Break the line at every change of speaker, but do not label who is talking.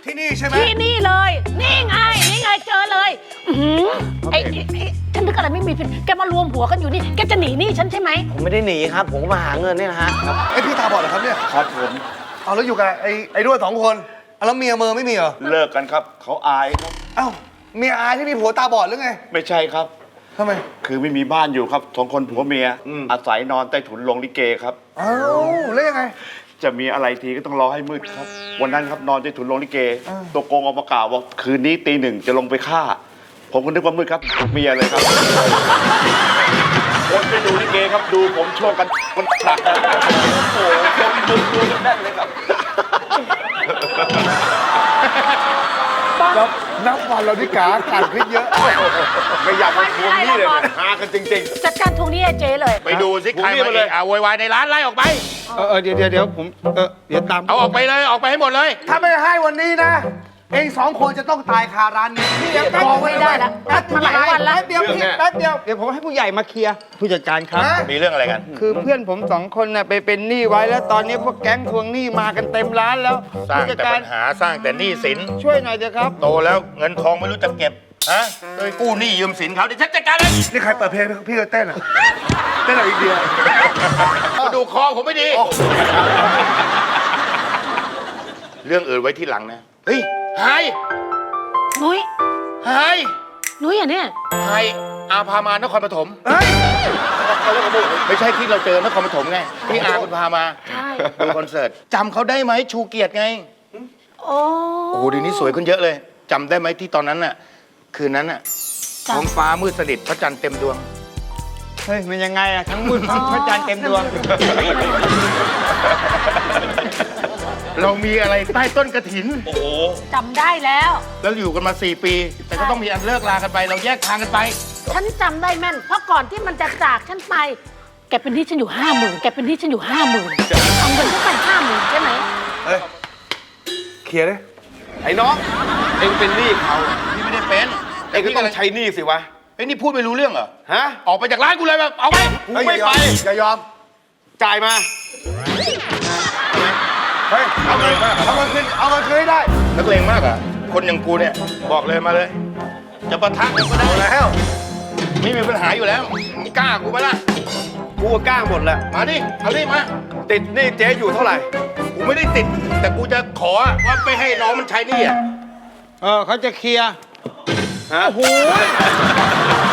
ที่นี่ใช่ไหม
ที่นี่เลย นี่ไงเจอเลยไอ้ฉันนึกอะไรไม่มีผิดแกมารวมหัวกันอยู่นี่แกจะหนีหนี่ฉันใช่ไหม
ผมไม่ได้หนีครับ ผมมาหาเงินนี่นะฮะ
ไอพี่ตาบอดเหรอครับเนี่ย
ครับผม
เอาแล้วอยู่กับไอ้ด้วย2 คนเอาแล้วเมียเมอไม่มีเหรอ
เลิกกันครับเขาอายครับ
เอ้าเมียอายที่มีผัวตาบอดหรือไง
ไม่ใช่ครับ
ทำไม
คือไม่มีบ้านอยู่ครับ2 คนผัวเมีย อาศัยนอนใต้ถุนโรงลิเกครับ
เอ้าแล้วยังไง
จะมีอะไรทีก็ต้องรอให้มืดครับ วันนั้นครับนอนใต้ถุนโรงลิเก ตัวโกงออกมากล่าวว่าคืนนี้ตี 1จะลงไปฆ่า ผมก็นึกว่ามืดครับเมียเลยครับคนไปดูลิเกครับดูผมช่วงกันมันฉากโอ้โหคนดูกันแน่นเลยครับ
นับวันเราที่กาการขึ้นเยอะ
ไม่อยากมาทวงหนี้เลยเนี่ยหากันจริง
จัดการทวงหนี้ไอ้เจ๊เลย
ไปดูสิใครมาเลยโวยวายในร้านไล่ออกไป
เดี๋ยวผมเดี๋ยวตาม
เอาออกไปเลยออกไปให้หมดเลย
ถ้าไม่ให้วันนี้นะ เอง2 คนจะต้องตายคาร้านนี้พี่ยัง
บอกไม่ได้ละนัดมาหลายวันแล้ว
เดี๋ยวพี่แป๊บเดียว
เดี๋ยวผมให้ผู้ใหญ่มาเคลียร์ผู้จัดการครับ
ฮะ
มีเรื่องอะไรกัน
คือเพื่อนผม2 คนน่ะไปเป็นหนี้ไว้แล้วตอนนี้พวกแก๊งทวงหนี้มากันเต็มร้านแล้ว
สร้าง
ผู้จัด
แต่
การ
ปัญหาสร้างแต่หนี้สิน
ช่วยหน่อยเถอะครับ
โตแล้วเงินทองไม่รู้จะเก็บฮะเลยกู้หนี้ยืมสินเขาเดี๋ยวฉันจัดการเลย
นี่ใครเปิดเพลงพี่ก็เต้นอ่ะเต้นอะไรอีกเดียว
มาดูคอผมไม่ดี เรื่องอื่นไว้ที่หลังนะ เฮ้ยไฮ
นุ้ย
ไฮ
นุ้ยอ่ะเนี่ย
ไฮอาพามานครปฐม
เฮ้ย
ไม่ใช่ที่เราเจอนครปฐมไงที่อาคุณพามา
ใช่
ดูคอนเสิร์ตจำเขาได้ไหมชูเกียรติไง
โอ้
โอ้โหเดี๋ยวนี้สวยขึ้นเยอะเลยจำได้ไหมที่ตอนนั้นน่ะคืนนั้นน่ะท้องฟ้ามืดสนิทพระจันทร์เต็มดวง
เฮ้ยมันยังไงอะทั้งมืดทั้งพระจันทร์เต็มดวง
เรามีอะไรใต้ต้นกระถิน โอ้โห
จำได้แล้ว
แล้วอยู่กันมา 4 ปี แต่ก็ต้องมีอันเลิกลากันไป เราแยกทางกันไป
ฉันจำได้แม่น เพราะก่อนที่มันจะจากฉันไป แกเป็นหนี้ฉันอยู่50,000แกเป็นหนี้ฉันอยู่50,000เอาเงินฉันไป50,000ใช่ไหม
เฮ้ยเคลียร์ดิ
ไอ้น้องเอ็งเป็นหนี้เขา
พี่ไม่ได้เป็น
เอ็งก็ต้องใช้หนี้สิวะ
ไอ้นี่พูดไม่รู้เรื่องเหรอ
ฮะ
ออกไปจากร้านกูเลยแบบเอาไป
กูไม่ไป
อย่ายอม
จ่ายมา
เฮ้ยเอาเงินคืนให้ได้
นักเลงมากอ่ะ คนอย่างกูเนี่ย บอกเลยมาเลย จะปะทะกันก็ได้
แล้ว
ไม่มีปัญหาอยู่แล้วมึงกล้ากูไหมล่ะ
กูก็กล้าหมดแหละ
มาดิ เอาดิมา
ติดหนี้เจ๊อยู่เท่าไหร่
กูไม่ได้ติด แต่กูจะขอว่าไม่ให้น้องมันใช้หนี่อ่ะ
เขาจะเคลียร์
ฮะ
โอ้โห